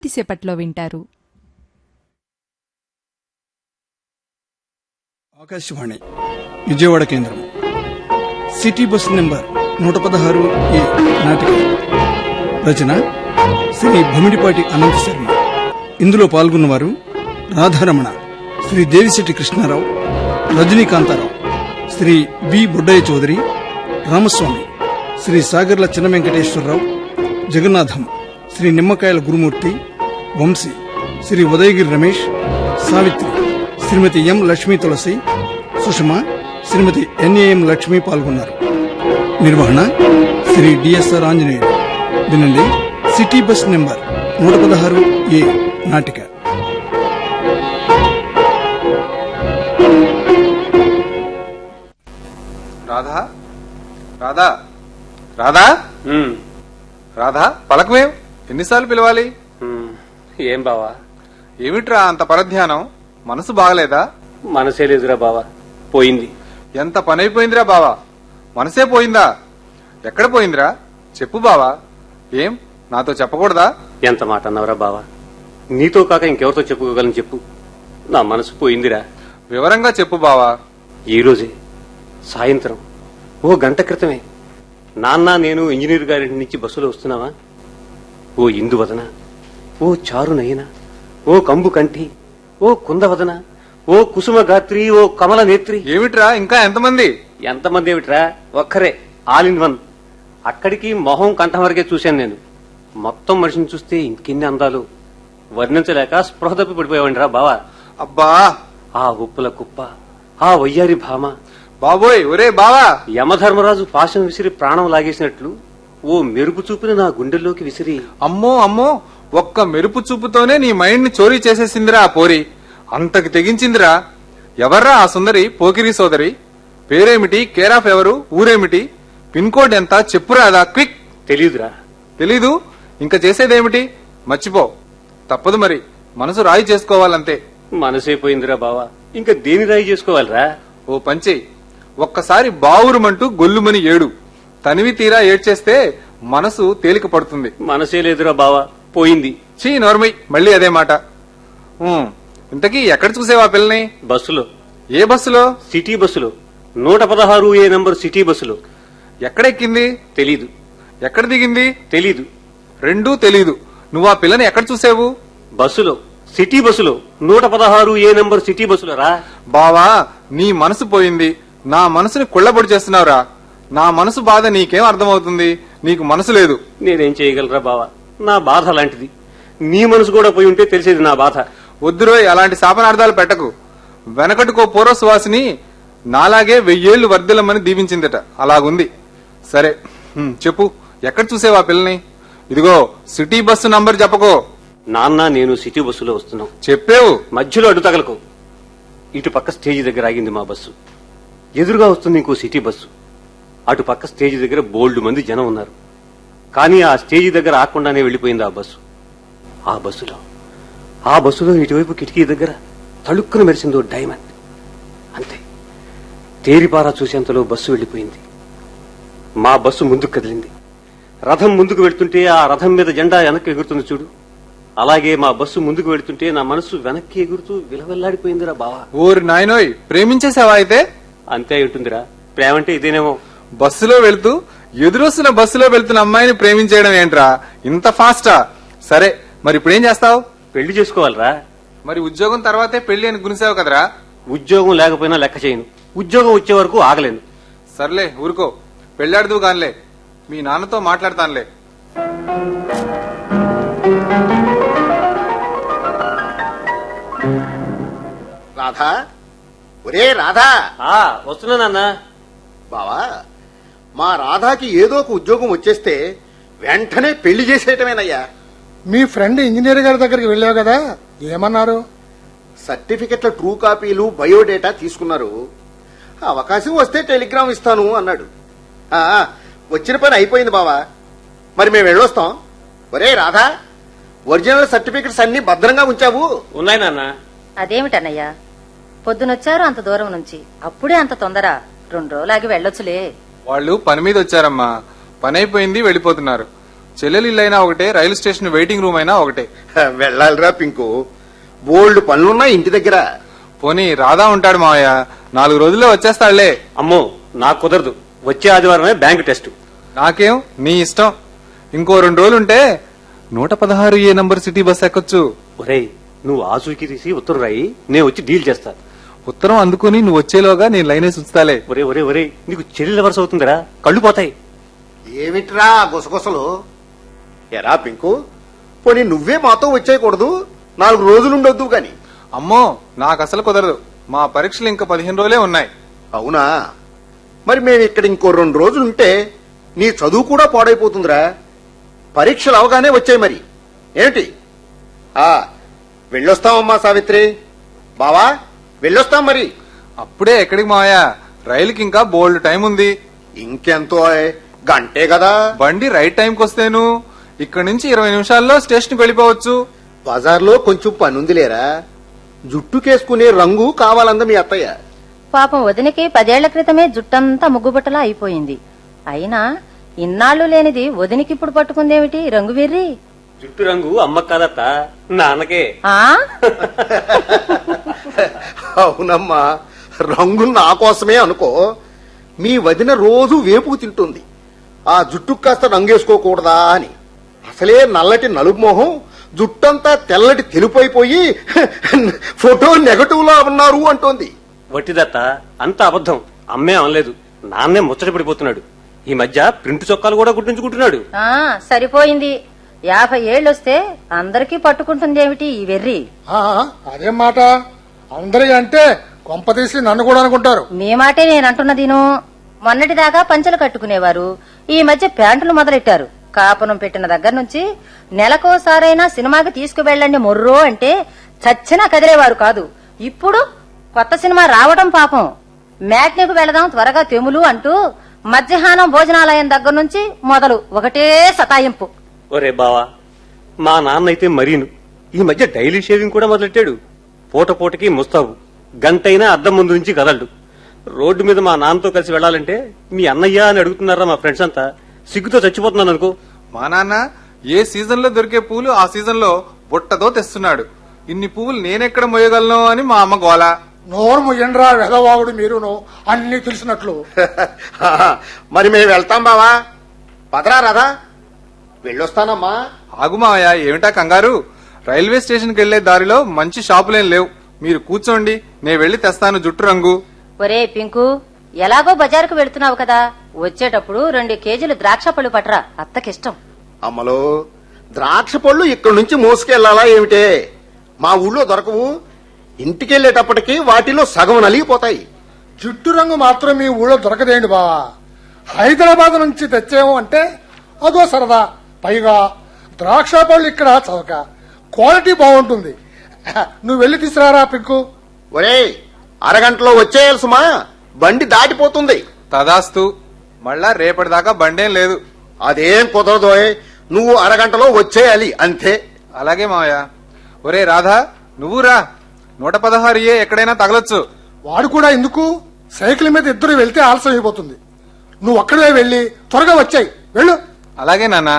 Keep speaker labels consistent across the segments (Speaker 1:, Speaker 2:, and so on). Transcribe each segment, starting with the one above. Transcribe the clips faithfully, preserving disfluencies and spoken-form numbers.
Speaker 1: కొద్దిసేపట్లో వింటారు.
Speaker 2: ఆకాశవాణి విజయవాడ కేంద్రం. సిటీ బస్ నెంబర్ నూట పదహారు ఏ నాటిక రచన శ్రీ భమిడిపాటి అనంత శర్మ. ఇందులో పాల్గొన్నవారు Radharamana, Shri Devisetty Krishnarao, Rajanikantharao, Shri B Buddaiah Chowdary, Ramaswamy, Shri Sagarla Chinna Venkateswararao, Jagannatham, Shri Nimmakayala Gurumurthy, Vamsi, Shri Udayagiri Ramesh, Savitri, Shrimati M Lakshmi Tulasi, Sushama, Shrimati N A M Lakshmi పాల్గొన్నారు. నిర్వహణ శ్రీ డిఎస్ఆర్ ఆంజనేయులు. వినండి సిటీ బస్ నెంబర్ నూట పదహారు ఏ నాటిక.
Speaker 3: రాధా రాధా రాధా రాధా పలకమేం? ఎన్నిసార్లు పిలవాలి?
Speaker 4: ఏం బావా?
Speaker 3: ఏమిట్రా అంత పరధ్యానం? మనసు బాగలేదా?
Speaker 4: మనసే లేదురా బావా, పోయింది.
Speaker 3: ఎంత పనైపోయిందిరా బావా, మనసే పోయిందా? ఎక్కడ పోయిందిరా చెప్పు బావా. ఏం నాతో చెప్పకూడదా?
Speaker 4: ఎంత మాట అన్నావురా బావా, నీతో కాక ఇంకెవరితో చెప్పుకోగలను చెప్పు. నా మనసు పోయిందిరా.
Speaker 3: వివరంగా చెప్పు బావా.
Speaker 4: ఈ రోజే సాయంత్రం ఓ గంట క్రితమే నాన్న నేను ఇంజనీర్ గారింటి నుంచి బస్సులో వస్తున్నావా? ఓ ఇందువదన, ఓ చారు నయన, ఓ కంబు కంఠి, ఓ కుందవదన, ఓ కుసుమ గాత్రి, ఓ కమల నేత్రి.
Speaker 3: ఏమిట్రా ఇంకా ఎంతమంది?
Speaker 4: ఎంతమంది ఏమిట్రా, ఒక్కరే, ఆల్ ఇన్ వన్. అక్కడికి మొహం కంఠం వరకే చూశాను నేను. మొత్తం మనిషిని చూస్తే ఇంకెన్ని అందాలు వర్ణించలేక స్పృహ తప్పి పడిపోయావండిరా బావా.
Speaker 3: అబ్బా,
Speaker 4: ఆ ఉప్పుల కుప్ప, ఆ వయ్యారి భామ,
Speaker 3: బాబోయ్ ఒరే బావా.
Speaker 4: యమధర్మరాజు పాశం విసిరి ప్రాణం లాగేసినట్లు ఓ మెరుపు చూపుని నా గుండెల్లోకి విసిరి.
Speaker 3: అమ్మో అమ్మో, ఒక్క మెరుపు చూపుతోనే నీ మైండ్ ని చోరీ చేసేసిందిరా ఆ పోరి. అంతకు తెగించిందిరా. ఎవర్రా ఆ సుందరి పోకిరి సోదరి? పేరేమిటి, కేర్ ఆఫ్ ఎవరు, ఊరేమిటి, పిన్ కోడ్ ఎంత చెప్పురాదా? క్విక్.
Speaker 4: తెలీదురా.
Speaker 3: తెలీదు? ఇంకా చేసేదేమిటి? మర్చిపో, తప్పదు మరి. మనసు రాయి చేసుకోవాలంతే.
Speaker 4: మనసైపోయిందిరా బావా, ఇంకా దేని రాయి చేసుకోవాలిరా?
Speaker 3: ఓ పంచి, ఒక్కసారి బావురుమంటూ గొల్లుమని ఏడు. తనివి తీరా ఏడ్చేస్తే మనసు తేలిక పడుతుంది.
Speaker 4: మనసే లేదురా బావా, పోయింది.
Speaker 3: చీ నోర్మై, మళ్ళీ అదే మాట. ఉమ్, ఇంతకీ ఎక్కడ చూసేవా పిల్లని?
Speaker 4: బస్సులో.
Speaker 3: ఏ బస్సులో?
Speaker 4: సిటీ బస్సులో, నూట పదహారు ఏ నంబర్ సిటీ బస్సులో.
Speaker 3: ఎక్కడ ఎక్కింది?
Speaker 4: తెలీదు.
Speaker 3: ఎక్కడ దిగింది?
Speaker 4: తెలీదు.
Speaker 3: రెండూ తెలీదు. నువ్వు ఆ పిల్లని ఎక్కడ చూసావు?
Speaker 4: బస్సులో, సిటీ బస్సులో, నూట పదహారు ఏ నంబర్ సిటీ బస్సులో రా.
Speaker 3: బావా, నీ మనసు పోయింది, నా మనసుని కుళ్ళబొడి చేస్తున్నావురా. నా మనసు బాధ నీకేం అర్థమవుతుంది? నీకు మనసు లేదు.
Speaker 4: నేనేం చేయగలరా బావా, నా బాధ అలాంటిది. నీ మనసు కూడా పోయి ఉంటే తెలిసేది నా బాధ.
Speaker 3: వద్దురోయ్, అలాంటి శాపనార్థాలు పెట్టకు. వెనకటికో పూర్వ సువాసిని నాలాగే వెయ్యేళ్లు వర్ధిల్లమని దీవించిందట, అలాగుంది. సరే హ్మ్, చెప్పు, ఎక్కడ చూసేవా పిల్లని? ఇదిగో సిటీ బస్సు నంబర్ చెప్పకో.
Speaker 4: నాన్న నేను సిటీ బస్సులో వస్తున్నాం.
Speaker 3: చెప్పేవు.
Speaker 4: మధ్యలో అడ్డు తగలకు. ఇటు పక్క స్టేజి దగ్గర ఆగింది మా బస్సు. ఎదురుగా వస్తుంది ఇంకో సిటీ బస్సు. అటు పక్క స్టేజి దగ్గర బోల్డ్ మంది జనం ఉన్నారు. కానీ ఆ స్టేజి దగ్గర ఆకుండానే వెళ్లిపోయింది ఆ బస్సు. ఆ బస్సులో ఆ బస్సులో ఇటువైపు కిటికీ దగ్గర తళుక్కున మెరిసిందో డైమండ్. అంతే, తేరిపారా చూసేంతలో బస్సు వెళ్లిపోయింది. మా బస్సు ముందుకు కదిలింది. రథం ముందుకు వెళ్తుంటే ఆ రథం మీద జెండా వెనక్కి ఎగురుతుంది చూడు, అలాగే మా బస్సు ముందుకు వెళ్తుంటే నా మనసు వెనక్కి ఎగురుతూ విలవెల్లాడిపోయిందిరా బావా.
Speaker 3: ఓరి నాయనోయ్, ప్రేమించేసావా అయితే?
Speaker 4: అంతే ఉంటుందిరా, ప్రేమంటే ఇదేనేమో.
Speaker 3: బస్సులో వెళ్తూ ఎదురొస్తున్న బస్సులో వెళ్తున్న అమ్మాయిని ప్రేమించేయడం ఏంట్రా ఇంత ఫాస్టా? సరే, మరి ఇప్పుడేం చేస్తావు?
Speaker 4: పెళ్లి చేసుకోవాలరా.
Speaker 3: మరి ఉద్యోగం తర్వాతే పెళ్లి అని గునిసావు కదరా.
Speaker 4: ఉద్యోగం లేకపోయినా లెక్క చేయను, ఉద్యోగం వచ్చే వరకు ఆగలేను.
Speaker 3: సర్లే ఊరుకో, పెళ్లాడుతూ గానిలే, మీ నాన్నతో మాట్లాడతానులే.
Speaker 5: రాధా, ఒరే రాధా.
Speaker 4: ఆ వస్తున్నానన్నా.
Speaker 5: బావా, మా రాధాకి ఏదో ఒక ఉద్యోగం వచ్చేస్తే వెంటనే పెళ్లి చేసేయటమేనయ్యా.
Speaker 6: మీ ఫ్రెండ్ ఇంజనీర్ గారి దగ్గరికి వెళ్ళావు కదా, ఏమన్నారు?
Speaker 5: సర్టిఫికెట్ల ట్రూ కాపీలు, బయోడేటా తీసుకున్నారు. అవకాశం వస్తే టెలిగ్రామ్ ఇస్తాను అన్నాడు. ఆ, వచ్చిన పని అయిపోయింది బావా, మరి మేము వెళ్ళొస్తాం. ఒరే రాధా, ఒరిజినల్ సర్టిఫికెట్స్ అన్ని భద్రంగా ఉంచావు?
Speaker 4: ఉన్నాయి నాన్న.
Speaker 7: అదేమిటన్నయ్యా, పొద్దునొచ్చారు అంత దూరం నుంచి, అప్పుడే అంత తొందర? రెండు రోజులాగి వెళ్ళొచ్చులే.
Speaker 3: వాళ్ళు పని మీద వచ్చారమ్మా, పని అయిపోయింది, వెళ్ళిపోతున్నారు. చెల్లెలు ఇల్లైనా ఒకటే, రైలు స్టేషన్ వెయిటింగ్ రూమ్ అయినా ఒకటే.
Speaker 5: వెళ్ళాలిరా పింకు, బోల్డ్ పనులున్నా ఇంటి దగ్గర.
Speaker 3: పోనీ రాధా ఉంటాడు మావయ్య, నాలుగు రోజుల్లో వచ్చేస్తాడులే.
Speaker 4: అమ్మో నాకు కుదరదు, వచ్చే ఆదివారమే బ్యాంక్ టెస్ట్.
Speaker 3: నాకేం, నీ ఇష్టం. ఇంకో రెండు రోజులుంటే నూట పదహారు ఏ నంబర్ సిటీ బస్ ఎక్కొచ్చు.
Speaker 4: ఒరేయ్, నువ్వు ఆచూకీ తీసి ఉత్తరం రాయి, నేను వచ్చి డీల్ చేస్తా.
Speaker 3: ఉత్తరం అందుకుని నువ్వు వచ్చేలోగా నేను లైనేసి ఉంచుతాలే.
Speaker 4: ఒరే ఒరే ఒరే, నీకు చెల్లెల వరుస అవుతుందిరా, కళ్ళు పోతాయి.
Speaker 5: ఏమిట్రా గుసగుసలు? ఎరా పింకు, పోనీ నువ్వే మాతో వచ్చేయకూడదు? నాలుగు రోజులుండొద్దు గాని.
Speaker 3: అమ్మో నాకు అసలు కుదరదు, మా పరీక్షలు ఇంకా పదిహేను రోజులే ఉన్నాయి.
Speaker 5: అవునా? మరి మేము ఇక్కడ ఇంకో రెండు రోజులుంటే నీ చదువు కూడా పాడైపోతుందిరా. పరీక్షలు అవగానే వచ్చాయి మరి. ఏమిటి? ఆ వెళ్ళొస్తామమ్మా సావిత్రి. బావా వెళ్ళొస్తాం మరి.
Speaker 3: అప్పుడే ఎక్కడికి మావయ్య, రైలుకి ఇంకా బోల్డ్ టైం ఉంది.
Speaker 5: ఇంకెంతో గంటే కదా.
Speaker 3: బండి రైట్ టైంకి వస్తేను ఇక్కడ నుంచి ఇరవై నిమిషాల్లో స్టేషన్కి వెళ్ళిపోవచ్చు.
Speaker 5: బజార్లో కొంచెం పనుంది లేరా. జుట్టుకేసుకునే రంగు కావాలంద మీ అత్తయ్య.
Speaker 7: పాపం వదినకి పదేళ్ల క్రితమే జుట్టంతా ముగ్గుబట్టలా అయిపోయింది. అయినా ఇన్నాళ్లు లేనిది వదినికి ఇప్పుడు పట్టుకుందేమిటి రంగు వెర్రి?
Speaker 4: జుట్టు రంగు అమ్మ కాదత్త, నాన్నకే.
Speaker 7: ఆ
Speaker 5: అవునమ్మా, రంగు నా కోసమే అనుకో. మీ వదిన రోజు వేపుకు తింటుంది, ఆ జుట్టు కాస్త రంగేసుకోకూడదా అని. అసలే నల్లటి నలుపు మొహం, జుట్టంతా తెల్లటి తెలుపైపోయి ఫోటో నెగటివ్ లా ఉన్నారు అంటోంది.
Speaker 4: వట్టిదత్త, అంత అబద్ధం. అమ్మే అనలేదు, నాన్నే ముచ్చట పడిపోతున్నాడు. ఈ మధ్య ప్రింట్ చొక్కాలు కూడా కుట్టించుకుంటున్నాడు.
Speaker 7: ఆ సరిపోయింది. యాభై ఏళ్ళొస్తే అందరికీ పట్టుకుంటుందేమిటి ఈ వెర్రి?
Speaker 6: ఆ, అదేం మాట? అందరికీ అంటే కొంప తీసి నన్ను కూడా అనుకుంటారు.
Speaker 7: మీ మాటే నేనంటున్నదీను. మొన్నటిదాకా పంచలు కట్టుకునేవారు, ఈ మధ్య ప్యాంటులు మొదలెట్టారు. కాపునం పెట్టిన దగ్గర నుంచి నెలకోసారైనా సినిమాకి తీసుకువెళ్ళండి మొర్రో అంటే చచ్చినా కదిలేవారు కాదు. ఇప్పుడు కొత్త సినిమా రావడం పాపం. మ్యాట్నీకు వెళదాం త్వరగా తెములు అంటూ మధ్యాహ్నం భోజనాలయం దగ్గర నుంచి మొదలు ఒకటే సతాయింపు.
Speaker 4: ఒరే బావా, మా నాన్న అయితే మరీను ఈ మధ్య డైలీ షేవింగ్ కూడా మొదలెట్టాడు. పూట పూటకి ముస్తాబు, గంటైనా అద్దం ముందు నుంచి కదలడు. రోడ్డు మీద మా నాన్నతో కలిసి వెళ్లాలంటే మీ అన్నయ్య అని అడుగుతున్నారా మా ఫ్రెండ్స్ అంతా. సిగ్గుతో చచ్చిపోతున్నాను అనుకో.
Speaker 3: మా నాన్న ఏ సీజన్ లో దొరికే పూలు ఆ సీజన్ లో బుట్టతో తెస్తున్నాడు. ఇన్ని పువ్వులు నేనెక్కడ మోయగలను అని మా అమ్మ గోల.
Speaker 6: నోరు ముయ్యండ్రా వెదవాగుడు మీరును, అన్ని తెలిసినట్లు.
Speaker 5: మరి మేము వెళ్తాం బావా. పదరా రాదా, వెళ్ళొస్తానమ్మా.
Speaker 3: ఆగు మావయ్య, ఏమిటా కంగారు? రైల్వే స్టేషన్కి వెళ్లే దారిలో మంచి షాపులేం లేవు. మీరు కూర్చోండి, నేను వెళ్లి తెస్తాను జుట్టు రంగు.
Speaker 7: ఒరే పింకు, ఎలాగో బజారుకు వెళుతున్నావు కదా, వచ్చేటప్పుడు రెండు కేజీలు ద్రాక్ష పళ్ళు పట్రా, అత్తకిష్టం.
Speaker 5: అమ్మలో, ద్రాక్ష పళ్ళు ఇక్కడి నుంచి మోసుకెళ్లాలా ఏమిటే? మా ఊళ్ళో దొరకవు. ఇంటికెళ్లేటప్పటికి వాటిలో సగం నలిగిపోతాయి.
Speaker 6: జుట్టు రంగు మాత్రం మీ ఊళ్ళో దొరకదేండి బావా. హైదరాబాద్ నుంచి తెచ్చేమో అంటే అదో సరదా. పైగా ద్రాక్ష పళ్ళు ఇక్కడ చవక, క్వాలిటీ బాగుంటుంది. నువ్వు వెళ్లి తీసుకురారా పింకు.
Speaker 5: ఒరేయ్, అరగంటలో వచ్చేయాలి సుమా, బండి దాటిపోతుంది.
Speaker 3: తదాస్తు, మళ్ళా రేపటిదాకా బండేం లేదు.
Speaker 5: అదేం కుదరదోయ్, నువ్వు అరగంటలో వచ్చేయాలి అంతే.
Speaker 3: అలాగే మావయ్య. ఒరే రాధా, నువ్వు రా. నూట పదహారు ఏ ఎక్కడైనా తగలొచ్చు.
Speaker 6: వాడు కూడా ఎందుకు? సైకిల్ మీద ఇద్దరు వెళ్తే ఆలస్యం అయిపోతుంది. నువ్వు అక్కడే వెళ్లి త్వరగా వచ్చాయి, వెళ్ళు.
Speaker 3: అలాగే నాన్న.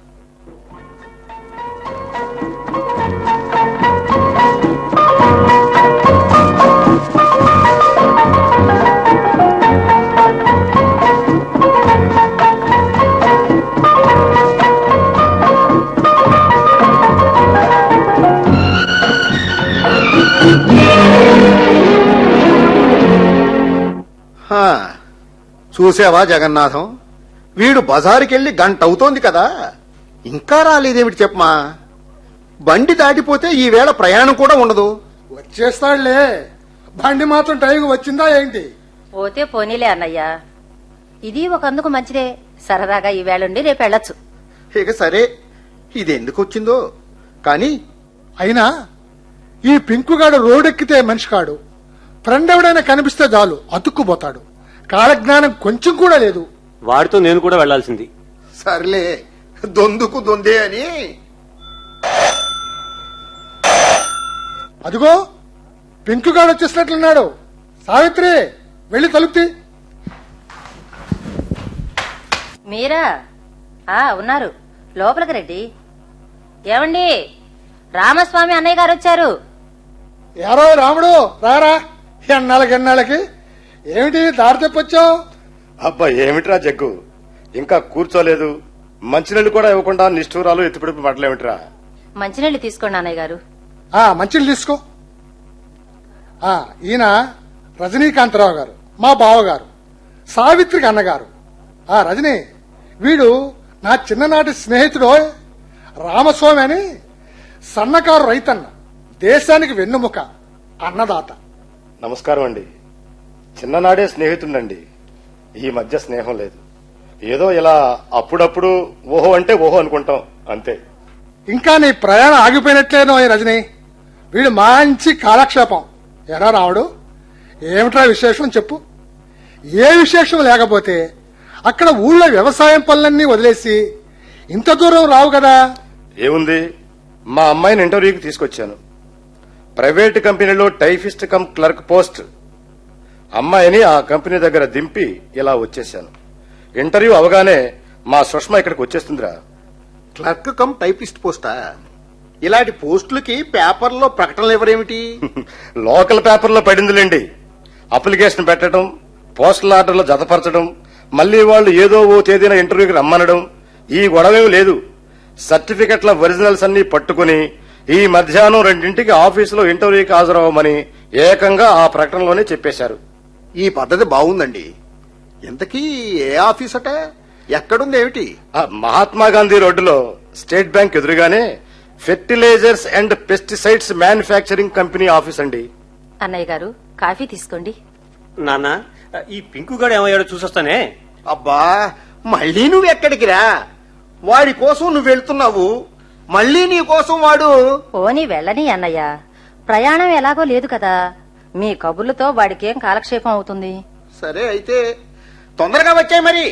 Speaker 5: హా, చూసావా జగన్నాథం, వీడు బజారుకెళ్లి గంట అవుతోంది కదా, ఇంకా రాలేదేమిటి చెప్పమా. బండి దాటిపోతే ఈవేళ ప్రయాణం కూడా ఉండదు.
Speaker 6: వచ్చేస్తాడులే, బండి మాత్రం టైంకి వచ్చిందా ఏంటి?
Speaker 7: పోతే పోనీలే అన్నయ్య, ఇది ఒక అందుకు మంచిదే. సరదాగా ఈ వేళండి రేపు వెళ్ళొచ్చు.
Speaker 5: ఇక సరే, ఇదెందుకు వచ్చిందో కాని.
Speaker 6: అయినా ఈ పింకుగాడు రోడెక్కితే మనిషి కాడు. ఫ్రెండ్ ఎవడైనా కనిపిస్తే చాలు అతుక్కుపోతాడు. కాలజ్ఞానం కొంచెం కూడా లేదు.
Speaker 4: వాడితో నేను కూడా వెళ్లాల్సింది.
Speaker 5: సర్లే, దొందుకు దొందే అని.
Speaker 6: అదిగో పింకుగాడు వచ్చేసినట్లున్నాడు. సావిత్రి, వెళ్లి తలుపుతి.
Speaker 7: మీరా? ఆ ఉన్నారు, లోపలికి రండి. ఏమండి, రామస్వామి అన్నయ్య గారు వచ్చారు.
Speaker 6: ఎవరో రాముడు రారా, ఎన్నాళ్ళకి ఎన్నాళ్ళకి ఏమిటి దారి తెప్పొచ్చావు?
Speaker 1: అబ్బా ఏమిట్రా జగ్గు, ఇంకా కూర్చోలేదు, మంచినీళ్ళు కూడా ఇవ్వకుండా నిష్ఠూరాలు ఎత్తిపిడిపి పడలేమిట్రా?
Speaker 7: మంచినీళ్ళు తీసుకోండి అన్నయ్య గారు.
Speaker 6: ఆ మంచిలు తీసుకో. ఆ ఈయన రజనీకాంతరావు గారు, మా బావగారు, సావిత్రికి అన్నగారు. ఆ రజనీ, వీడు నా చిన్ననాటి స్నేహితుడు రామస్వామి అని, సన్నకారు రైతన్న, దేశానికి వెన్నుముక, అన్నదాత.
Speaker 1: నమస్కారం అండి. చిన్ననాడే స్నేహితుడండి, ఈ మధ్య స్నేహం లేదు. ఏదో ఇలా అప్పుడప్పుడు ఓహో అంటే ఓహో అనుకుంటాం అంతే.
Speaker 6: ఇంకా నీ ప్రయాణం ఆగిపోయినట్లేనో ఈ రజనీ. వీడు మంచి కాలక్షేపం. ఎరా రావుడు, ఏమిట్రా విశేషం చెప్పు. ఏ విశేషం లేకపోతే అక్కడ ఊళ్ళో వ్యవసాయం పనులన్నీ వదిలేసి ఇంత దూరం రావు కదా.
Speaker 1: ఏముంది, మా అమ్మాయిని ఇంటర్వ్యూకి తీసుకొచ్చాను. ప్రైవేట్ కంపెనీలో టైఫిస్ట్ కమ్ క్లర్క్ పోస్ట్. అమ్మాయిని ఆ కంపెనీ దగ్గర దింపి ఇలా వచ్చేశాను. ఇంటర్వ్యూ అవగానే మా సుష్మ ఇక్కడికి వచ్చేస్తుందిరా.
Speaker 5: క్లర్క్ కమ్ టైపిస్ట్ పోస్టా? ఇలాంటి పోస్టులకి పేపర్లో ప్రకటనలు ఎవరేమిటి?
Speaker 1: లోకల్ పేపర్లో పడిందిలేండి. అప్లికేషన్ పెట్టడం, పోస్టల్ ఆర్డర్లో జతపరచడం, మళ్లీ వాళ్ళు ఏదో ఓ తేదీన ఇంటర్వ్యూకి రమ్మనడం, ఈ గొడవేం లేదు. సర్టిఫికెట్ల ఒరిజినల్స్ అన్ని పట్టుకుని ఈ మధ్యాహ్నం రెండింటికి ఆఫీసులో ఇంటర్వ్యూకి హాజరవ్వమని ఏకంగా ఆ ప్రకటనలోనే చెప్పేశారు.
Speaker 5: ఈ పద్ధతి బాగుందండి. ఇంతకీ ఏ ఆఫీస్ అట? ఎక్కడుంది ఏమిటి?
Speaker 1: ఆ మహాత్మా గాంధీ రోడ్డులో స్టేట్ బ్యాంక్ ఎదురుగానే fertilizers and pesticides manufacturing company office అండి.
Speaker 7: అన్నయ్య గారు, కాఫీ తీసుకోండి.
Speaker 4: నాన్న, ఈ పింకుగాడు ఏమయ్యాడో చూసొస్తానే.
Speaker 5: అబ్బా, మళ్ళీ నువ్వు ఎక్కడికి రా? వాడి కోసం నువ్వు వెళ్తున్నావు, మళ్ళీ నీ కోసం వాడు.
Speaker 7: పోనీ వెళ్ళని అన్నయ్య, ప్రయాణం ఎలాగో లేదు కదా. మీ కబుర్లతో వాడికేం కాలక్షేపం అవుతుంది.
Speaker 5: సరే అయితే తొందరగా వచ్చాయి మరి.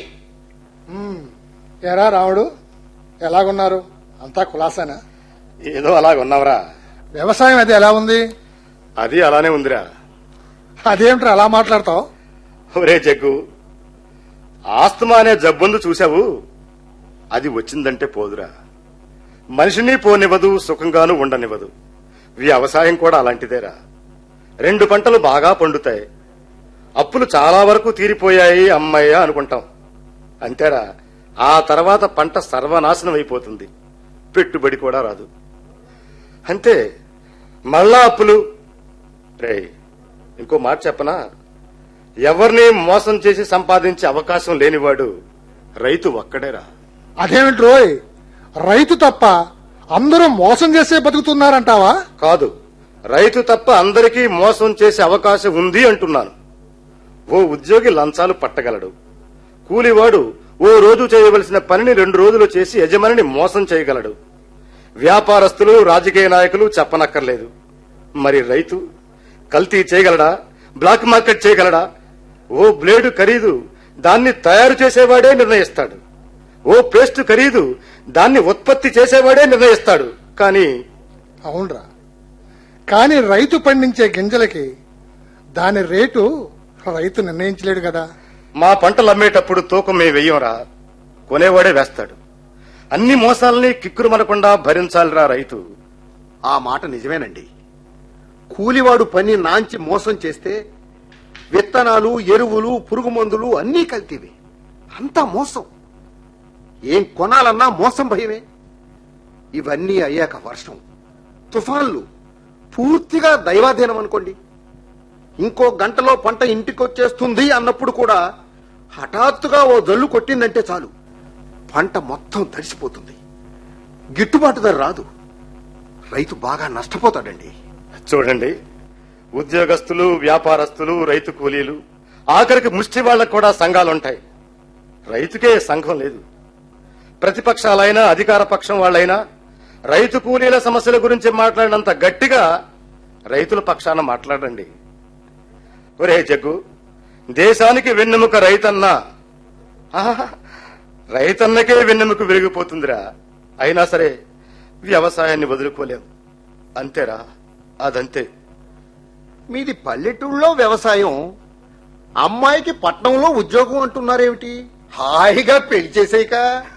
Speaker 6: ఎరా రాముడు, ఎలాగున్నారు? అంతా కులాసానా?
Speaker 1: ఏదో అలాగ ఉన్నావరా.
Speaker 6: వ్యవసాయం అది ఎలా ఉంది?
Speaker 1: అది అలానే ఉందిరా.
Speaker 6: అదేమిట్రా అలా మాట్లాడతావు?
Speaker 1: ఒరే జగ్గు, ఆస్తమా అనే జబ్బుందు చూశావు, అది వచ్చిందంటే పోదురా. మనిషిని పోనివ్వదు, సుఖంగాను ఉండనివ్వదు. వ్యవసాయం కూడా అలాంటిదేరా. రెండు పంటలు బాగా పండుతాయి, అప్పులు చాలా వరకు తీరిపోయాయి అమ్మయ్య అనుకుంటాం. అంతేరా, ఆ తర్వాత పంట సర్వనాశనం అయిపోతుంది, పెట్టుబడి కూడా రాదు. అంతే, మళ్ళా అప్పులు. రే, ఇంకో మాట చెప్పనా? ఎవరిని మోసం చేసి సంపాదించే అవకాశం లేనివాడు రైతు ఒక్కడేరా.
Speaker 6: అదేమిటి రోయ్, రైతు తప్ప అందరూ మోసం చేసే బతుకుతున్నారంటావా?
Speaker 1: కాదు, రైతు తప్ప అందరికీ మోసం చేసే అవకాశం ఉంది అంటున్నాను. ఓ ఉద్యోగి లంచాలు పట్టగలడు, కూలివాడు ఓ రోజు చేయవలసిన పనిని రెండు రోజులు చేసి యజమానిని మోసం చేయగలడు. వ్యాపారస్తులు, రాజకీయ నాయకులు చెప్పనక్కర్లేదు. మరి రైతు కల్తీ చేయగలడా? బ్లాక్ మార్కెట్ చేయగలడా? ఓ బ్లేడు ఖరీదు దాన్ని తయారు చేసేవాడే నిర్ణయిస్తాడు. ఓ పేస్ట్ ఖరీదు దాన్ని ఉత్పత్తి చేసేవాడే నిర్ణయిస్తాడు. కానీ
Speaker 6: అవునరా, కానీ రైతు పండించే గింజలకి దాని రేటు రైతు నిర్ణయించలేడు కదా.
Speaker 1: మా పంటలు అమ్మేటప్పుడు తూకం మేము వెయ్యంరా, కొనేవాడే వేస్తాడు. అన్ని మోసాలని కిక్కురుమనకుండా భరించాలిరా రైతు.
Speaker 5: ఆ మాట నిజమేనండి. కూలివాడు పని నాంచి మోసం చేస్తే విత్తనాలు, ఎరువులు, పురుగు మందులు అన్నీ కల్తీవే. అంతా మోసం. ఏం కొనాలన్నా మోసం భయమే. ఇవన్నీ అయ్యాక వర్షం, తుఫాన్లు, పూర్తిగా దైవాధీనం అనుకోండి. ఇంకో గంటలో పంట ఇంటికొచ్చేస్తుంది అన్నప్పుడు కూడా హఠాత్తుగా ఓ జల్లు కొట్టిందంటే చాలు, పంట మొత్తం తడిసిపోతుంది. గిట్టుబాటు ధర రాదు. రైతు బాగా నష్టపోతాడండి.
Speaker 1: చూడండి, ఉద్యోగస్తులు, వ్యాపారస్తులు, రైతు కూలీలు, ఆఖరికి ముష్టి వాళ్లకు కూడా సంఘాలుంటాయి. రైతుకే సంఘం లేదు. ప్రతిపక్షాలైనా అధికార పక్షం వాళ్లైనా రైతు కూలీల సమస్యల గురించి మాట్లాడినంత గట్టిగా రైతుల పక్షాన మాట్లాడండి. ఒరే జగ్గు, దేశానికి వెన్నెముక రైతన్నా. ఆహా, రైతన్నకే వెన్నెముక విరిగిపోతుందిరా. అయినా సరే వ్యవసాయాన్ని వదులుకోలేం. అంతేరా, అదంతే.
Speaker 5: మీది పల్లెటూళ్ళలో వ్యవసాయం, అమ్మాయికి పట్నంలో ఉద్యోగం అంటున్నారేమిటి? హాయిగా పెళ్లి చేసేయక.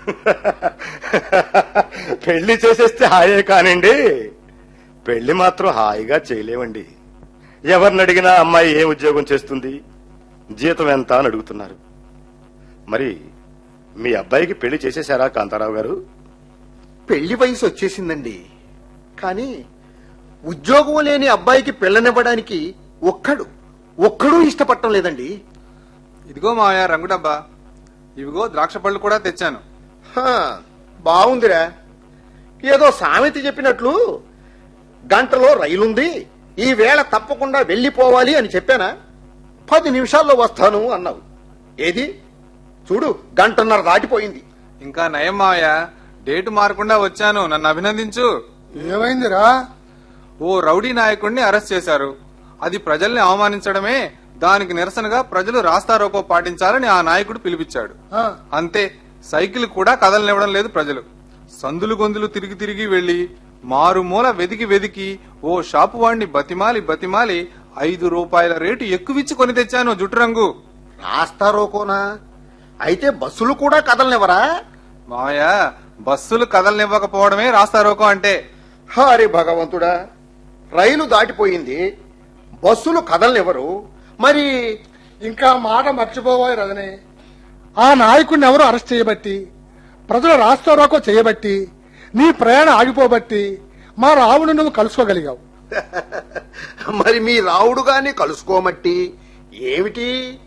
Speaker 1: పెళ్లి చేసేస్తే హాయే కానివ్వండి, పెళ్లి మాత్రం హాయిగా చేయలేమండి. ఎవరిని అడిగినా అమ్మాయి ఏ ఉద్యోగం చేస్తుంది, జీతం ఎంత అని అడుగుతున్నారు. మరి మీ అబ్బాయికి పెళ్లి చేసేశారా కాంతారావు గారు?
Speaker 5: పెళ్లి వయసు వచ్చేసిందండి, కానీ ఉద్యోగం లేని అబ్బాయికి పెళ్ళనివ్వడానికి ఒక్కడు ఒక్కడూ ఇష్టపడటం లేదండి.
Speaker 3: ఇదిగో మావయ్య రంగు డబ్బా, ఇవిగో ద్రాక్ష పళ్ళు కూడా తెచ్చాను.
Speaker 5: హా, బాగుందిరా. ఏదో సామెత చెప్పినట్లు గంటలో రైలుంది, ఈ వేళ తప్పకుండా వెళ్లిపోవాలి అని చెప్పానా? పది నిమిషాల్లో వస్తాను అన్నావు. ఏది చూడు, గంటన్నర దాటిపోయింది.
Speaker 3: ఇంకా నయం మావయ్య, డేటు మారకుండా వచ్చాను, నన్ను అభినందించు.
Speaker 6: ఏమైందిరా?
Speaker 3: ఓ రౌడీ నాయకుడిని అరెస్ట్ చేశారు. అది ప్రజల్ని అవమానించడమే. దానికి నిరసనగా ప్రజలు రాస్తారోకో పాటించాలని ఆ నాయకుడు పిలిపించాడు.
Speaker 6: ఆ,
Speaker 3: అంతే, సైకిల్ కూడా కదలనివ్వడం లేదు ప్రజలు. సందులు గొంతులు తిరిగి తిరిగి వెళ్లి మారుమూల వెదికి వెదికి ఓ షాపు వాడిని బతిమాలి బతిమాలి ఐదు రూపాయల రేటు ఎక్కువిచ్చి కొని తెచ్చాను జుట్టు రంగు.
Speaker 5: రాస్తారోకోనా? అయితే బస్సులు కూడా కదలనివ్వరా?
Speaker 3: మావయ్య, బస్సులు కదలనివ్వకపోవడమే రాస్తారోకో అంటే.
Speaker 5: హరి భగవంతుడా, రైలు దాటిపోయింది, బస్సులు కదలనివ్వరు, మరి
Speaker 6: ఇంకా మాట మర్చిపోబోయే రజని. ఆ నాయకుడిని ఎవరు అరెస్ట్ చేయబట్టి, ప్రజలు రాస్తారోకో చేయబట్టి, నీ ప్రయాణం ఆగిపోబట్టి మా రావుని నువ్వు కలుసుకోగలిగావు.
Speaker 5: మరి మీ రావుడు గాని కలుసుకోమట్టి ఏమిటి?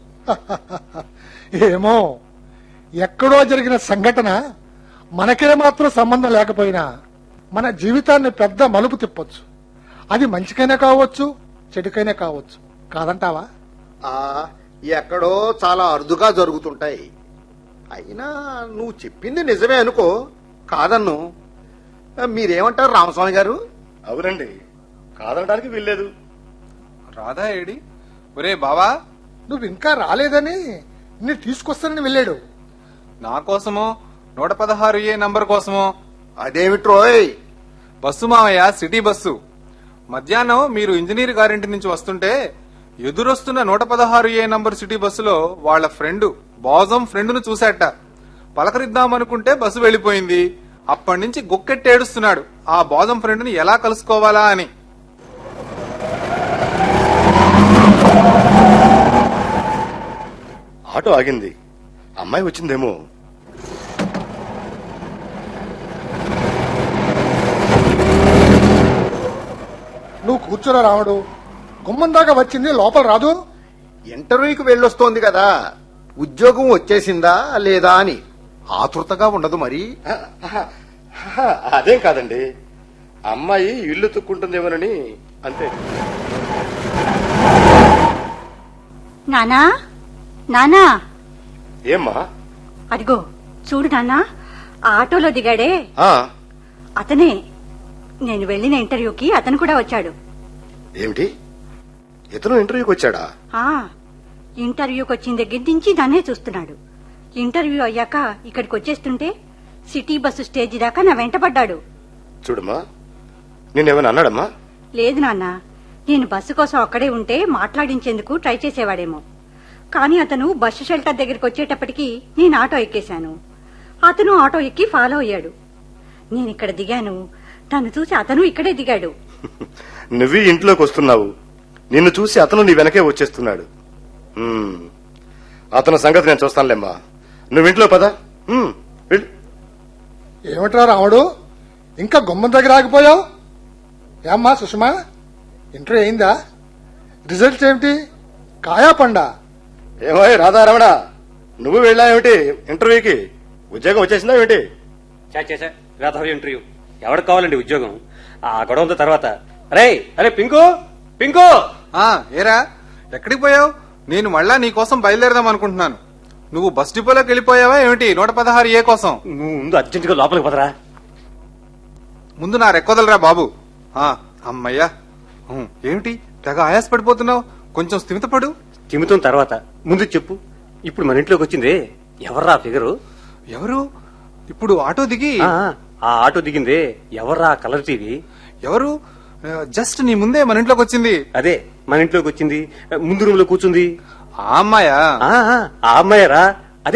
Speaker 6: ఏమో, ఎక్కడో జరిగిన సంఘటన మనకే మాత్రం సంబంధం లేకపోయినా మన జీవితాన్ని పెద్ద మలుపు తిప్పొచ్చు. అది మంచికైనా కావచ్చు, చెడుకైనా కావచ్చు. కాదంటావా?
Speaker 5: ఆ ఎక్కడో చాలా అరుదుగా జరుగుతుంటాయి. అయినా నువ్వు చెప్పింది నిజమే అనుకో, కాదన్ను. మీరేమంటారు రామస్వామి గారు?
Speaker 1: అవునండి, కాదనడానికి వీల్లేదు.
Speaker 3: రాధా ఏడి? ఒరే బావా,
Speaker 6: నువ్వు ఇంకా రాలేదని నేను తీసుకొస్తానని వెళ్ళాడు.
Speaker 3: నా కోసమో నూట పదహారు ఏ నంబర్ కోసమో?
Speaker 5: అదేమిట్రోయ్?
Speaker 3: బస్సు మావయ్య, సిటీ బస్సు. మధ్యాహ్నం మీరు ఇంజనీర్ గారింటి నుంచి వస్తుంటే ఎదురొస్తున్న నూట పదహారు ఏ నంబర్ సిటీ బస్సులో వాళ్ల ఫ్రెండ్ బాజం ఫ్రెండ్ను చూశాట. పలకరిద్దామనుకుంటే బస్సు వెళ్లిపోయింది. అప్పటి నుంచి గుక్కెట్టేడుస్తున్నాడు ఆ బాజం ఫ్రెండ్ని ఎలా కలుసుకోవాలా అని.
Speaker 1: ఆటో ఆగింది, అమ్మాయి వచ్చిందేమో.
Speaker 6: నువ్వు కూర్చోరా రాముడు, గుమ్మం దాకా వచ్చింది, లోపల రాదు.
Speaker 5: ఇంటర్వ్యూకి వెళ్ళొస్తోంది కదా, ఉద్యోగం వచ్చేసిందా లేదా అని ఆతృతగా ఉండదు మరి.
Speaker 1: అదేం కాదండి, అమ్మాయి ఇల్లు తుక్కుంటుందేమోనని అంతే.
Speaker 8: నానా నానా,
Speaker 1: ఏమ్మా?
Speaker 8: అదిగో చూడు నాన్నా, ఆ ఆటోలో దిగాడే
Speaker 1: ఆ,
Speaker 8: అతనే. నేను వెళ్లిన ఇంటర్వ్యూకి అతను కూడా వచ్చాడు.
Speaker 1: ఏమిటి, ఇతను ఇంటర్వ్యూకి వచ్చాడా?
Speaker 8: ఆ ఇంటర్వ్యూకి వచ్చిన దగ్గర నుంచి నన్నే చూస్తున్నాడు. ఇంటర్వ్యూ అయ్యాక ఇక్కడికి వచ్చేస్తుంటే సిటీ బస్సు స్టేజి దాకా నా వెంట పడ్డాడు.
Speaker 1: చూడమ్మా, నేనేమైనా అన్నాడమ్మా?
Speaker 8: లేదు నాన్న, నేను బస్సు కోసం అక్కడే ఉంటే మాట్లాడించేందుకు ట్రై చేసేవాడేమో. కానీ అతను బస్సు షెల్టర్ దగ్గరికి వచ్చేటప్పటికి నేను ఆటో ఎక్కేశాను. అతను ఆటో ఎక్కి ఫాలో అయ్యాడు. నేను ఇక్కడ దిగాను, తను చూసి అతను ఇక్కడే దిగాడు.
Speaker 1: నువ్వు ఇంట్లోకి వస్తున్నావు, నిన్ను చూసి అతను నీ వెనకే వచ్చేస్తున్నాడు. ఉమ్, అతని సంగతి నేను చూస్తానులేమ్మా. నువ్వు ఇంట్లో పద. ఉమ్, వెళ్ళు.
Speaker 6: ఏమిట్రా రాముడు, ఇంకా గుమ్మం దగ్గర ఆగిపోయావు? ఏమ్మా సుషమా, ఇంటర్వ్యూ అయిందా? రిజల్ట్స్ ఏమిటి? కాయా పండా?
Speaker 1: ఏమో రాధారమణ, నువ్వు వెళ్ళావేమిటి ఇంటర్వ్యూకి? ఉద్యోగం వచ్చేసిందా ఏమిటి?
Speaker 4: చేసా రాధావి ఇంటర్వ్యూ. ఎవరికి కావాలండి ఉద్యోగం? ఆ గొడవంతో తర్వాత. అరే అరే పింకు పింకు,
Speaker 3: ఆ ఏరా, ఎక్కడికి పోయావు? నేను మళ్ళా నీకోసం బయలుదేరదాం అనుకుంటున్నాను. నువ్వు బస్ డిపోలోకి వెళ్ళిపోయావా ఏమిటి నూట పదహారు ఏ కోసం?
Speaker 4: నువ్వు ముందు అర్జెంటుగా లోపలికి పదరా.
Speaker 3: ముందు నా రెక్కొదలరా బాబు. ఆ అమ్మయ్యా. ఉం, ఏమిటి తెగ ఆయాస పడిపోతున్నావు? కొంచెం స్థిమితపడు.
Speaker 4: చిమ్ముతున్న తర్వాత ముందు చెప్పు. ఇప్పుడు మన ఇంట్లోకి వచ్చిందే ఎవర్రా ఫిగరు?
Speaker 3: ఎవరు? ఇప్పుడు ఆటో దిగి
Speaker 4: ఆ ఆ ఆటో దిగిందే ఎవర్రా కలర్ టీవీ?
Speaker 3: ఎవరు? ఆ, జస్ట్ నీ ముందే మన ఇంట్లోకి వచ్చింది.
Speaker 4: అదే మన ఇంట్లోకి వచ్చింది, ముందు రూమ్ లో కూర్చుంది.
Speaker 3: ఆ అమ్మాయా?
Speaker 4: ఆ ఆ, ఆ అమ్మాయరా? అదే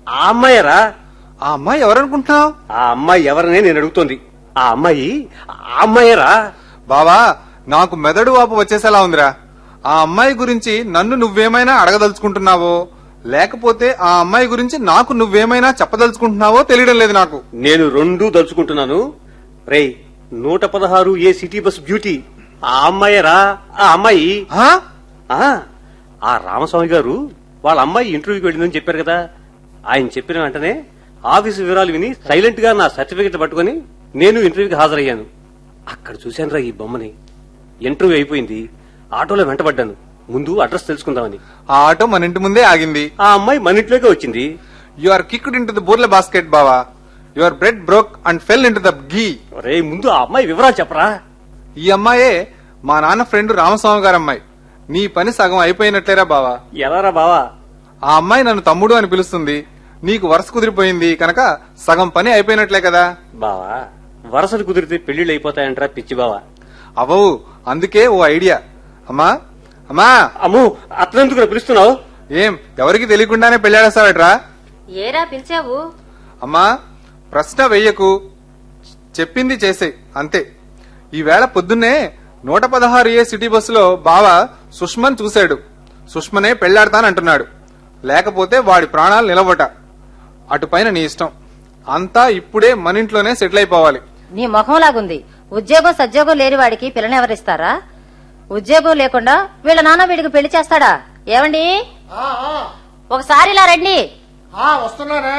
Speaker 4: ఆ అమ్మాయరా?
Speaker 3: ఆ అమ్మాయి ఎవరనుకుంటున్నావు?
Speaker 4: ఆ అమ్మాయి ఎవరనే నేను అడుగుతోంది. ఆ అమ్మాయి ఆ అమ్మాయరా?
Speaker 3: బావా, నాకు మెదడు వాపు వచ్చేసేలా ఉందిరా. ఆ అమ్మాయి గురించి నన్ను నువ్వేమైనా అడగదలుచుకుంటున్నావో లేకపోతే ఆ అమ్మాయి గురించి నాకు నువ్వేమైనా చెప్పదలుచుకుంటున్నావో తెలియడం లేదు నాకు.
Speaker 4: నేను రెండూ దలుచుకుంటున్నాను. రేయ్, నూట పదహారు ఏ సిటీ బస్ బ్యూటీ ఆ అమ్మాయరా? ఆ అమ్మాయి
Speaker 3: ఆ?
Speaker 4: ఆ ఆ రామస్వామి గారు వాళ్ళ అమ్మాయి ఇంటర్వ్యూకి వెళ్ళిందని చెప్పారు కదా. ఆయన చెప్పిన వెంటనే ఆఫీసు వివరాలు విని సైలెంట్ గా నా సర్టిఫికెట్ పట్టుకుని నేను ఇంటర్వ్యూకి హాజరయ్యాను. అక్కడ చూశానురా ఈ బొమ్మని. ఇంటర్వ్యూ అయిపోయింది. ఆటోలో వెంటబడ్డాను. ముందు అడ్రస్ తెలుసుకుందామని.
Speaker 3: ఆ ఆటో మన ఇంటి ముందే ఆగింది.
Speaker 4: ఆ అమ్మాయి మన ఇంట్లోకే వచ్చింది.
Speaker 3: You are kicked in to the బూర్ల బాస్కెట్ బావా. Your bread broke and fell in to the ghee.
Speaker 4: రే, ముందు ఆ అమ్మాయి వివరాలు చెప్పరా.
Speaker 3: ఈ అమ్మాయే మా నాన్న ఫ్రెండ్ రామస్వామి గారి అమ్మాయి. నీ పని సగం అయిపోయినట్లేరా బావా.
Speaker 4: ఎలారా బావా?
Speaker 3: ఆ అమ్మాయి నన్ను తమ్ముడు అని పిలుస్తుంది. నీకు వరుస కుదిరిపోయింది కనుక సగం పని అయిపోయినట్లే కదా.
Speaker 4: బావా, వరసలు కుదిరితే పెళ్లిళ్ళు అయిపోతాయంటరా పిచ్చి బావా.
Speaker 3: అవవు, అందుకే ఓ ఐడియా. అమ్మా అమ్మా.
Speaker 4: అమ్ము, అతనెందుకు పిలుస్తున్నావు?
Speaker 3: ఏం ఎవరికి తెలియకుండానే పెళ్లాడేస్తావట్రా?
Speaker 7: ఏరా పిలిచావు?
Speaker 3: అమ్మా, ప్రశ్న వెయ్యకు, చెప్పింది చేసే అంతే. ఈవేళ పొద్దున్నే నూట పదహారు ఏ సిటీ బస్సులో బావ సుష్మన్ చూశాడు. సుష్మనే పెళ్లాడతానంటున్నాడు. లేకపోతే వాడి ప్రాణాలు నిలవట. అటుపైన నీ ఇష్టం. అంతా ఇప్పుడే మన ఇంట్లోనే సెటిల్ అయిపోవాలి.
Speaker 7: నీ మొహంలాగుంది. ఉద్యోగం సద్యోగం లేని వాడికి పిల్లనెవరిస్తారా? ఉద్యోగం లేకుండా వీళ్ళ నాన్న వీడికి పెళ్లి చేస్తాడా? ఏమండి,
Speaker 6: ఆ, ఆ,
Speaker 7: ఒకసారి ఇలా రండి.
Speaker 6: ఆ, వస్తున్నానే.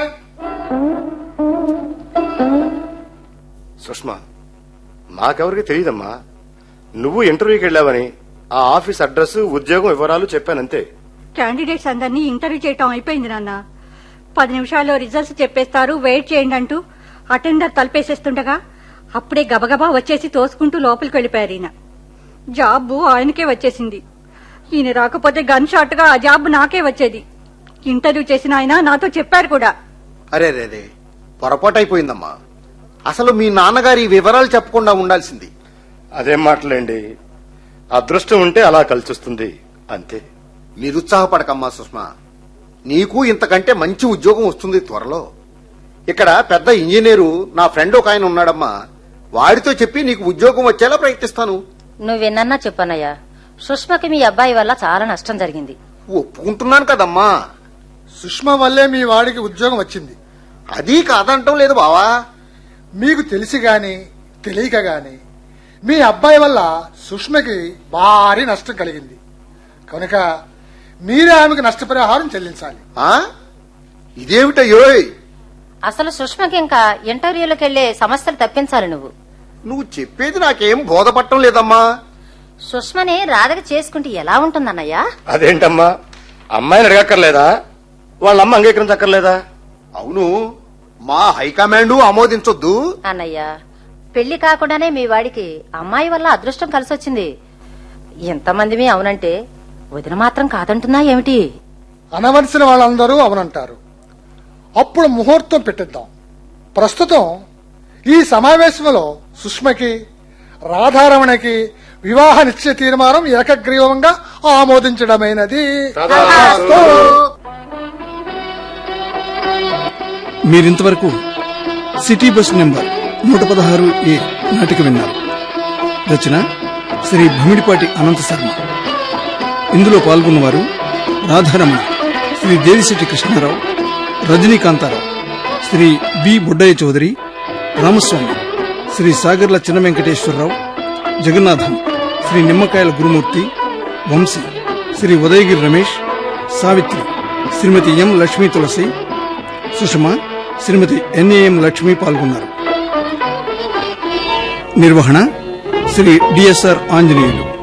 Speaker 1: సుష్మా, మాకెవరికి తెలియదమ్మా. నువ్వు ఇంటర్వ్యూకి వెళ్ళావని ఆ ఆఫీస్ అడ్రస్ ఉద్యోగం వివరాలు చెప్పానంతే.
Speaker 8: క్యాండిడేట్స్ అందరినీ ఇంటర్వ్యూ చేయటం అయిపోయింది నాన్న. పది నిమిషాల్లో రిజల్ట్స్ చెప్పేస్తారు, వెయిట్ చేయండి అంటూ అటెండర్ తలపేసేస్తుండగా అప్పుడే గబగబా వచ్చేసి తోసుకుంటూ లోపలికి వెళ్లిపోయారు ఈయన. జాబ్ ఆయనకే వచ్చేసింది. ఈయన రాకపోతే గన్ షాట్ గా ఆ జాబ్ నాకే వచ్చేది. ఇంటర్వ్యూ చేసిన ఆయన నాతో చెప్పారు కూడా.
Speaker 5: అరే రే రే పొరపాటు అయిపోయిందమ్మా. అసలు మీ నాన్నగారి ఈ వివరాలు చెప్పకుండా ఉండాల్సింది.
Speaker 1: అదేం మాటలేండి, అదృష్టం ఉంటే అలా కలిసొస్తుంది అంతే.
Speaker 5: నిరుత్సాహపడకమ్మా సుష్మా. నీకు ఇంతకంటే మంచి ఉద్యోగం వస్తుంది త్వరలో. ఇక్కడ పెద్ద ఇంజనీరు నా ఫ్రెండ్ ఒక ఆయన ఉన్నాడమ్మా. వాడితో చెప్పి నీకు ఉద్యోగం వచ్చేలా ప్రయత్నిస్తాను.
Speaker 7: నువ్వెన్నన్నా చెప్పన్నయ్యా, సుష్మకి మీ అబ్బాయి వల్ల చాలా నష్టం జరిగింది.
Speaker 5: ఒప్పుకుంటున్నాను కదమ్మా.
Speaker 6: సుష్మా వల్లే మీ వాడికి ఉద్యోగం వచ్చింది.
Speaker 5: అది కాదంటం లేదు బావా.
Speaker 6: మీకు తెలిసి గాని తెలియక గాని మీ అబ్బాయి వల్ల సుష్మకి భారీ నష్టం కలిగింది. కనుక మీరే ఆమెకు నష్టపరిహారం చెల్లించాలి.
Speaker 5: ఆ ఇదేమిటయ్యోయ్?
Speaker 7: అసలు సుష్మకి ఇంకా ఇంటర్వ్యూలకు వెళ్లే సమస్యలు తప్పించాలి నువ్వు.
Speaker 5: నువ్వు చెప్పేది నాకేం బోధపట్టం లేదమ్మా.
Speaker 7: సుష్మని రాధకి చేసుకుంటే ఎలా ఉంటుందన్నయ్యా?
Speaker 1: అదేంటమ్మా, అమ్మాయిని అడగక్కర్లేదా? వాళ్ళమ్మ అంగీకరించక్కర్లేదా?
Speaker 5: అవును, మా హైకమాండ్ ఆమోదించొద్దు.
Speaker 7: అన్నయ్య, పెళ్లి కాకుండానే మీ వాడికి అమ్మాయి వల్ల అదృష్టం కలిసొచ్చింది. ఎంతమంది మీ అవునంటే వదిన మాత్రం కాదంటున్నా ఏమిటి?
Speaker 6: అనవలసిన వాళ్ళందరూ అవునంటారు. అప్పుడు ముహూర్తం పెట్టిద్దాం. ప్రస్తుతం ఈ సమావేశంలో సుష్మకి రాధారమణకి వివాహ నిశ్చయ తీర్మానం ఏకగ్రీవంగా ఆమోదించడమైనది.
Speaker 2: మీరింతవరకు సిటీ బస్ నెంబర్ నూట పదహారు ఏ నాటిక విన్నారు. రచన శ్రీ భమిడిపాటి అనంత శర్మ. ఇందులో పాల్గొన్నవారు Radharamana, Shri Devisetty Krishnarao, Rajanikantharao, Shri B Buddaiah Chowdary, Ramaswamy, Shri Sagarla Chinna Venkateswararao, Jagannatham, Shri Nimmakayala Gurumurthy, Vamsi, Shri Udayagiri Ramesh, Savitri, Shrimati M Lakshmi Tulasi, Sushama, Shrimati N A M Lakshmi పాల్గొన్నారు. నిర్వహణ శ్రీ డిఎస్ఆర్ ఆంజనేయులు.